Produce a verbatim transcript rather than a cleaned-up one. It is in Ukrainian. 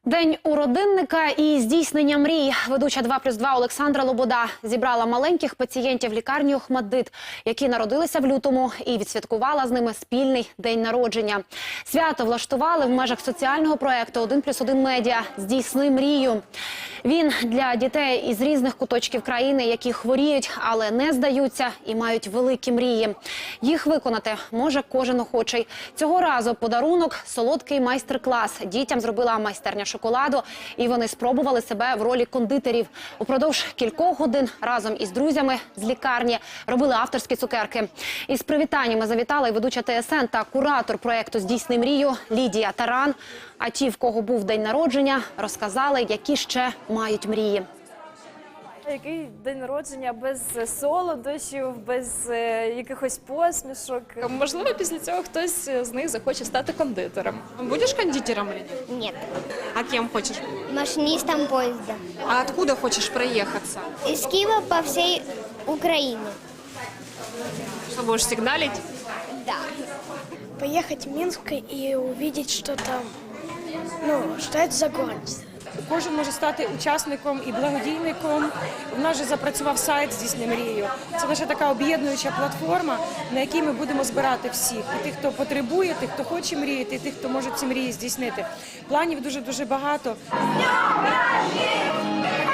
День у родинника і здійснення мрій. Ведуча два плюс два Олександра Лобода зібрала маленьких пацієнтів лікарні ОХМАТДИТ, які народилися в лютому, і відсвяткувала з ними спільний день народження. Свято влаштували в межах соціального проєкту один плюс один медіа «Здійсни мрію». Він для дітей із різних куточків країни, які хворіють, але не здаються і мають великі мрії. Їх виконати може кожен охочий. Цього разу подарунок – солодкий майстер-клас. Дітям зробила майстерня шоколаду, і вони спробували себе в ролі кондитерів. Упродовж кількох годин разом із друзями з лікарні робили авторські цукерки. Із привітаннями завітала і ведуча ТСН та куратор проєкту «Здійсни мрію» Лідія Таран. А ті, в кого був день народження, розказали, які ще мають мрії. Який день народження без солодощів, без е, якихось посмішок. Можливо, після цього хтось з них захоче стати кондитером. Будеш кондитером или нет? Нет. А кем хочешь? Машинистом поезда. А откуда хочешь проехаться? Из Киева по всей Украине. Что, будешь сигналить? Да. Поехать в Минск и увидеть что-то, ну, что это за город. Кожен може стати учасником і благодійником. У нас вже запрацював сайт «Здійсни мрію». Це наша така об'єднуюча платформа, на якій ми будемо збирати всіх. І тих, хто потребує, тих, хто хоче мріяти, і тих, хто може ці мрії здійснити. Планів дуже-дуже багато.